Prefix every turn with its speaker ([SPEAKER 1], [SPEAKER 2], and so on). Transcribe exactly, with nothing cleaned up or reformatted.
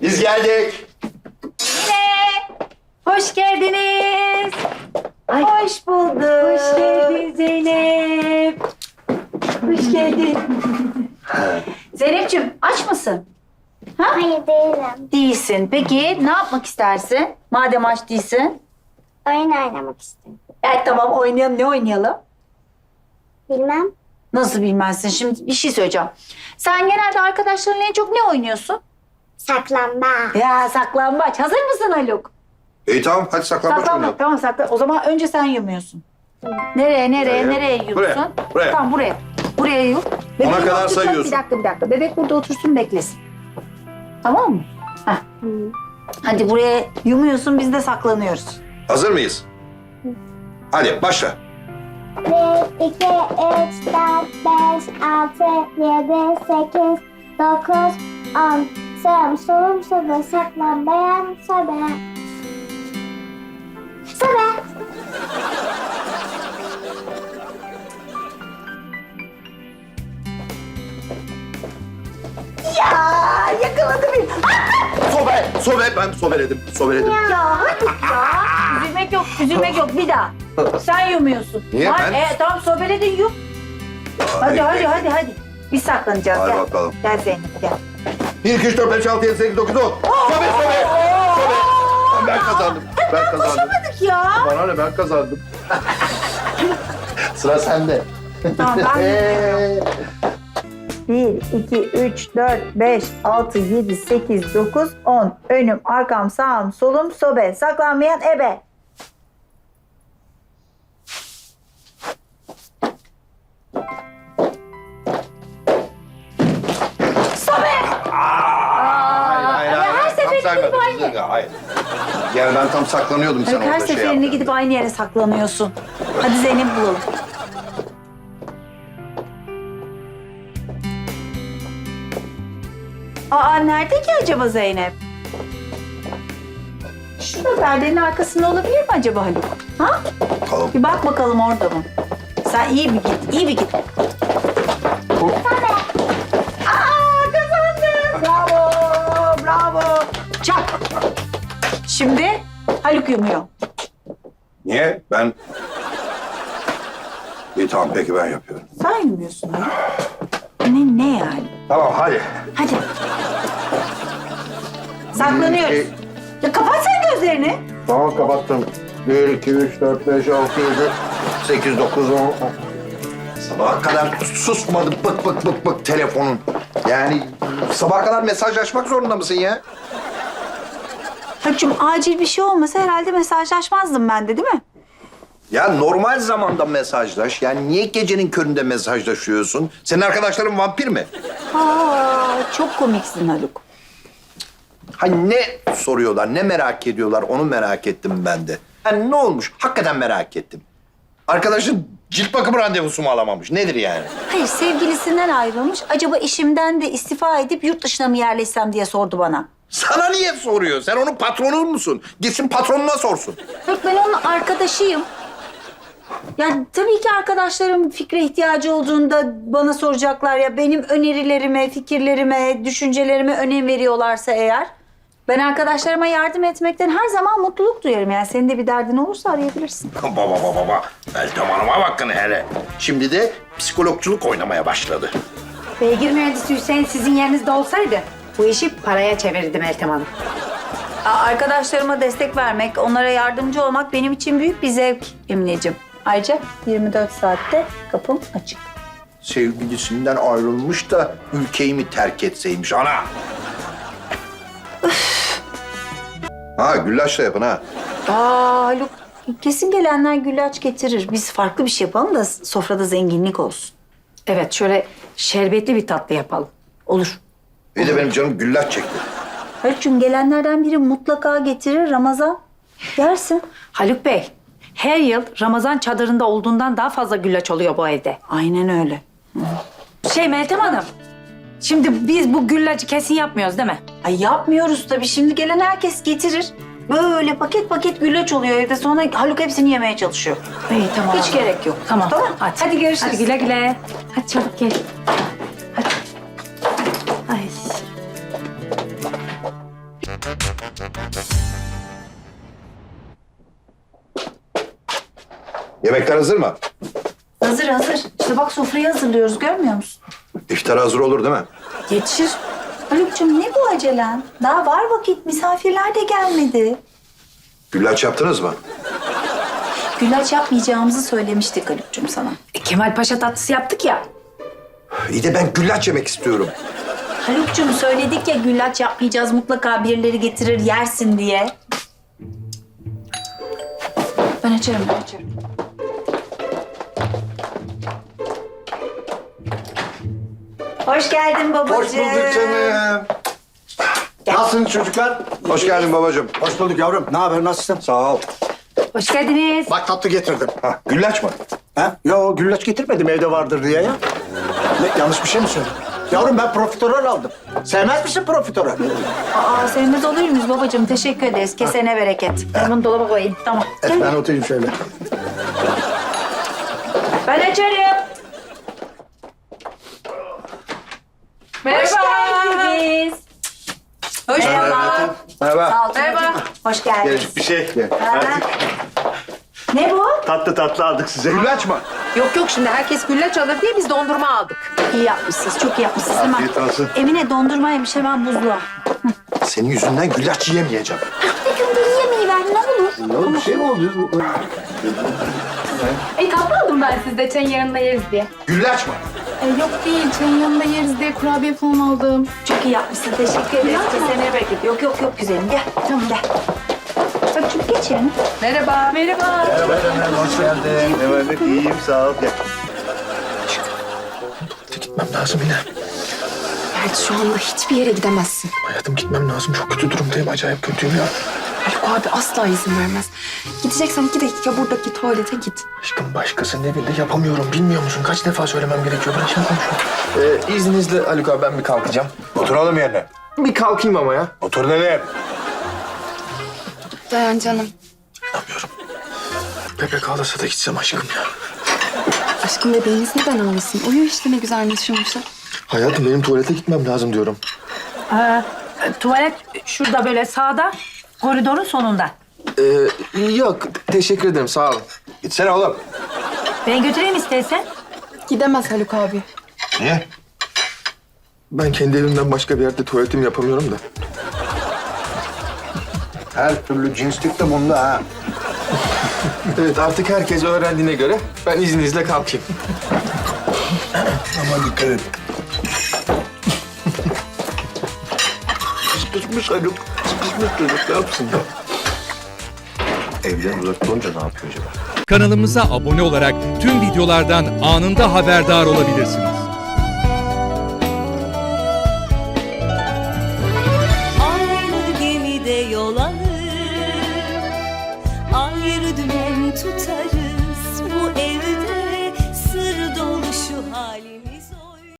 [SPEAKER 1] Biz geldik.
[SPEAKER 2] Yine. Hoş geldiniz.
[SPEAKER 3] Ay.
[SPEAKER 2] Hoş bulduk.
[SPEAKER 3] Hoş geldin Zeynep. Hoş geldin.
[SPEAKER 2] Zeynep'ciğim aç mısın?
[SPEAKER 4] Hayır değilim.
[SPEAKER 2] Değilsin. Peki ne yapmak istersin? Madem aç değilsin.
[SPEAKER 4] Oyun oynamak istiyorum.
[SPEAKER 2] Evet tamam oynayalım. Ne oynayalım?
[SPEAKER 4] Bilmem.
[SPEAKER 2] Nasıl bilmezsin? Şimdi bir şey söyleyeceğim. Sen genelde arkadaşlarınla en çok ne oynuyorsun?
[SPEAKER 4] Saklambaç.
[SPEAKER 2] Ya saklambaç. Hazır mısın Haluk?
[SPEAKER 1] İyi tamam hadi saklambaç
[SPEAKER 2] Saklambaç.
[SPEAKER 1] oynayalım.
[SPEAKER 2] Tamam sakla. O zaman önce sen yumuyorsun. Nereye, nereye,
[SPEAKER 1] Buraya.
[SPEAKER 2] nereye yiyorsun?
[SPEAKER 1] Buraya, buraya.
[SPEAKER 2] Tamam buraya. Buraya yum. Bebeği
[SPEAKER 1] Ona kadar
[SPEAKER 2] otursun.
[SPEAKER 1] sayıyorsun.
[SPEAKER 2] Bir dakika, bir dakika. Bebek burada otursun, beklesin. Tamam mı? Heh. Hadi buraya yumuyorsun, biz de saklanıyoruz.
[SPEAKER 1] Hazır mıyız? Hadi başla.
[SPEAKER 4] Bir, iki, üç, dört, beş, altı, yedi, sekiz, dokuz, on. Sağım solum sobe saklambayan sobe. Sobe.
[SPEAKER 2] Ya yakaladı beni.
[SPEAKER 1] Sobe, sobe. Ben sobeledim, sobeledim.
[SPEAKER 2] Ya hadi ya. Üzülmek yok, üzülmek yok. Bir daha. Sen yumuyorsun.
[SPEAKER 1] Niye?
[SPEAKER 2] Lan,
[SPEAKER 1] Ben-
[SPEAKER 2] E, tamam sobeledin yum. Hadi, hadi, hadi, hadi. Biz saklanacağız.
[SPEAKER 1] Hadi
[SPEAKER 2] gel.
[SPEAKER 1] bakalım.
[SPEAKER 2] Gel Zeynep, gel.
[SPEAKER 1] Bir, iki, üç, dört, beş, altı, yedi, sekiz, dokuz, on. Sobe, sobe. Sobe. Ben kazandım. Ben kazandım.
[SPEAKER 2] Koşamadık ya.
[SPEAKER 1] Bana ne ben kazandım. Sıra sende.
[SPEAKER 2] Tamam ben yumuyorum. Bir, iki, üç, dört, beş, altı, yedi, sekiz, dokuz, on. Önüm, arkam, sağım, solum, sobe. Saklanmayan ebe.
[SPEAKER 1] Hayır, hayır,
[SPEAKER 2] Ya her
[SPEAKER 1] Tam
[SPEAKER 2] seferinde
[SPEAKER 1] saymadım.
[SPEAKER 2] gidip aynı.
[SPEAKER 1] Hayır. Yani ben tam saklanıyordum sen
[SPEAKER 2] Evet, her
[SPEAKER 1] orada şey
[SPEAKER 2] seferinde
[SPEAKER 1] yaptın.
[SPEAKER 2] gidip aynı yere saklanıyorsun. Hadi Zeynep bulalım. Aa nerede ki acaba Zeynep? Şurada perdenin arkasında olabilir mi acaba Haluk? Ha?
[SPEAKER 1] Bakalım.
[SPEAKER 2] Bir bak bakalım orada mı? Sen iyi bir git, iyi bir git. Aa kazandın. Bravo, bravo. Çak. Şimdi Haluk yumuyor.
[SPEAKER 1] Niye? Ben... İyi tamam peki ben yapıyorum.
[SPEAKER 2] Sen yumuyorsun Haluk. Ne, ne yani?
[SPEAKER 1] Tamam hadi.
[SPEAKER 2] Hadi. Saklanıyoruz.
[SPEAKER 1] Bir,
[SPEAKER 2] Ya kapat sen gözlerini.
[SPEAKER 1] Tamam kapattım. Bir, iki, üç, dört, beş, altı, yedi, sekiz, dokuz, on. Sabaha kadar susmadı bık bık bık bık telefonun. Yani sabaha kadar mesajlaşmak zorunda mısın ya?
[SPEAKER 2] Haluk'cum acil bir şey olmasa herhalde mesajlaşmazdım ben de değil mi?
[SPEAKER 1] Ya normal zamanda mesajlaş. Yani niye gecenin köründe mesajlaşıyorsun? Senin arkadaşların vampir mi?
[SPEAKER 2] Aa, çok komiksin Haluk.
[SPEAKER 1] Hani ne soruyorlar, ne merak ediyorlar onu merak ettim ben de. Hani ne olmuş? Hakikaten merak ettim. Arkadaşın cilt bakımı randevusu mu alamamış? Nedir yani?
[SPEAKER 2] Hayır sevgilisinden ayrılmış. Acaba işimden de istifa edip yurt dışına mı yerleşsem diye sordu bana.
[SPEAKER 1] Sana niye soruyor? Sen onun patronu musun? Gitsin patronuna sorsun.
[SPEAKER 2] Yok ben onun arkadaşıyım. Yani tabii ki arkadaşlarım fikre ihtiyacı olduğunda bana soracaklar ya benim önerilerime, fikirlerime, düşüncelerime önem veriyorlarsa eğer ben arkadaşlarıma yardım etmekten her zaman mutluluk duyarım. Yani senin de bir derdin olursa arayabilirsin.
[SPEAKER 1] Baba baba baba. Meltem Hanım'a bakın hele. Şimdi de psikologculuk oynamaya başladı.
[SPEAKER 3] Beygir mühendisi Hüseyin sizin yerinizde olsaydı bu işi paraya çevirirdi Meltem Hanım.
[SPEAKER 2] Aa, Arkadaşlarıma destek vermek, onlara yardımcı olmak benim için büyük bir zevk Emineciğim. Ayrıca yirmi dört saatte kapım açık.
[SPEAKER 1] Sevgilisinden ayrılmış da ülkeyi mi terk etseymiş ana? Ha güllaçla yapın ha.
[SPEAKER 2] Aa Haluk, kesin gelenler güllaç getirir. Biz farklı bir şey yapalım da sofrada zenginlik olsun.
[SPEAKER 3] Evet şöyle şerbetli bir tatlı yapalım.
[SPEAKER 2] Olur.
[SPEAKER 1] Bir de benim canım güllaç çekti.
[SPEAKER 2] Haluk'cum gelenlerden biri mutlaka getirir Ramazan. Yersin.
[SPEAKER 3] Haluk Bey, her yıl Ramazan çadırında olduğundan daha fazla güllaç oluyor bu evde.
[SPEAKER 2] Aynen öyle.
[SPEAKER 3] Şey Meltem Hanım, şimdi biz bu güllacı kesin yapmıyoruz değil mi?
[SPEAKER 2] Ay yapmıyoruz tabii. Şimdi gelen herkes getirir. Böyle paket paket güllaç oluyor evde. Sonra Haluk hepsini yemeye çalışıyor.
[SPEAKER 3] İyi tamam.
[SPEAKER 2] Hiç gerek yok.
[SPEAKER 3] Tamam.
[SPEAKER 2] Tamam.
[SPEAKER 3] Hadi.
[SPEAKER 2] Hadi görüşürüz.
[SPEAKER 3] Hadi güle güle. Hadi çabuk gel. Hadi. Ay.
[SPEAKER 1] Yemekler hazır mı?
[SPEAKER 2] Hazır hazır. İşte bak sofrayı hazırlıyoruz görmüyor musun?
[SPEAKER 1] İftara hazır olur değil mi?
[SPEAKER 2] Yetişir. Haluk'cum ne bu acelen? Daha var vakit. Misafirler de gelmedi.
[SPEAKER 1] Güllaç yaptınız mı?
[SPEAKER 2] Güllaç yapmayacağımızı söylemiştik Haluk'cum sana.
[SPEAKER 3] E, Kemal Paşa tatlısı yaptık ya.
[SPEAKER 1] İyi de ben güllaç yemek istiyorum.
[SPEAKER 2] Haluk'cum söyledik ya güllaç yapmayacağız. Mutlaka birileri getirir yersin diye. Ben açarım ben açarım. Hoş geldin babacığım.
[SPEAKER 5] Hoş bulduk canım. Nasılsınız çocuklar?
[SPEAKER 1] Hoş geldin babacığım.
[SPEAKER 5] Hoş bulduk yavrum. Ne haber, nasılsın?
[SPEAKER 1] Sağ ol.
[SPEAKER 3] Hoş geldiniz.
[SPEAKER 5] Bak tatlı getirdim.
[SPEAKER 1] Ha, güllaç mı?
[SPEAKER 5] Ha? Yo, güllaç getirmedim, evde vardır diye ya. Ne, yanlış bir şey mi söyledim? Yavrum ben profiterol aldım. Sevmez misin profiterol?
[SPEAKER 2] Aa sevmez olur muyuz babacığım? Teşekkür ederiz. Kesene bereket.
[SPEAKER 3] Ben bunu dolaba koyayım.
[SPEAKER 2] Tamam.
[SPEAKER 5] Evet, ben oturayım şöyle.
[SPEAKER 2] Ben açarım. Hoş geldiniz. Hoş Merhaba.
[SPEAKER 1] Merhaba.
[SPEAKER 2] Sağ ol. Merhaba. Hoş geldiniz.
[SPEAKER 6] Bir şey.
[SPEAKER 2] Ha. Ne bu?
[SPEAKER 6] Tatlı tatlı aldık size.
[SPEAKER 1] Güllaç mı?
[SPEAKER 7] Yok yok şimdi herkes güllaç alır diye biz dondurma aldık.
[SPEAKER 2] İyi yapmışsınız. Çok iyi yapmışsınız. Hemen.
[SPEAKER 6] Afiyet olsun.
[SPEAKER 2] Emine dondurma yemiş hemen buzluğa.
[SPEAKER 1] Senin yüzünden güllaç yiyemeyeceğim.
[SPEAKER 2] Bir gün beni yemeği ver ne olur.
[SPEAKER 5] Ya bir şey mi oldu?
[SPEAKER 7] E tatlı aldım ben sizde çayın yanında yeriz diye.
[SPEAKER 1] Güllaç mı?
[SPEAKER 7] E, yok değil çayın yanında yeriz diye kurabiye falan aldım.
[SPEAKER 2] Çok iyi yapmışsın. Teşekkür ederiz. Kesene bereket. Yok yok yok güzelim. Gel. Tamam gel. Hadi çünkü geç yerine.
[SPEAKER 7] Merhaba. Merhaba.
[SPEAKER 5] Hoş geldin.
[SPEAKER 6] Ne var ne? İyiyim sağ ol. Gel.
[SPEAKER 8] Gitmem lazım yine.
[SPEAKER 7] Evet şu anda hiçbir yere gidemezsin.
[SPEAKER 8] Hayatım gitmem lazım. Çok kötü durumdayım. Acayip kötüyüm ya.
[SPEAKER 7] Haluk abi asla izin vermez. Gideceksen iki dakika buradaki tuvalete git.
[SPEAKER 8] Aşkım başkasının evinde yapamıyorum. Bilmiyor musun? Kaç defa söylemem gerekiyor? Ben şimdi konuşuyorum. Ee, izninizle Haluk abi ben bir kalkacağım.
[SPEAKER 1] Oturalım yerine.
[SPEAKER 8] Bir kalkayım ama ya.
[SPEAKER 1] Otur nereye?
[SPEAKER 7] Dayan canım.
[SPEAKER 8] Anlamıyorum. Bebek ağlasa da gitsem aşkım ya.
[SPEAKER 7] Aşkım bebeğiniz neden ağlasın? Uyu işte ne güzel neşirmişler.
[SPEAKER 8] Hayatım benim tuvalete gitmem lazım diyorum.
[SPEAKER 3] Aa, tuvalet şurada böyle sağda. Koridorun sonunda.
[SPEAKER 8] Ee, yok teşekkür ederim sağ olun.
[SPEAKER 1] Gitsene oğlum.
[SPEAKER 3] Ben götüreyim istersen.
[SPEAKER 7] Gidemez Haluk abi.
[SPEAKER 1] Niye?
[SPEAKER 8] Ben kendi evimden başka bir yerde tuvaletimi yapamıyorum da.
[SPEAKER 1] Her türlü cinslik de bunda ha.
[SPEAKER 8] Evet artık herkes öğrendiğine göre ben izninizle kalkayım.
[SPEAKER 1] Ama dikkat et.
[SPEAKER 8] Sıkışmış Haluk. Sıkışmış çocuk ne yapsın ya?
[SPEAKER 1] Evden uzak olunca ne yapıyor acaba?
[SPEAKER 9] Kanalımıza abone olarak tüm videolardan anında haberdar olabilirsiniz.
[SPEAKER 10] Aynı gemide yol alır, ayrı dümen tutarız. Bu evde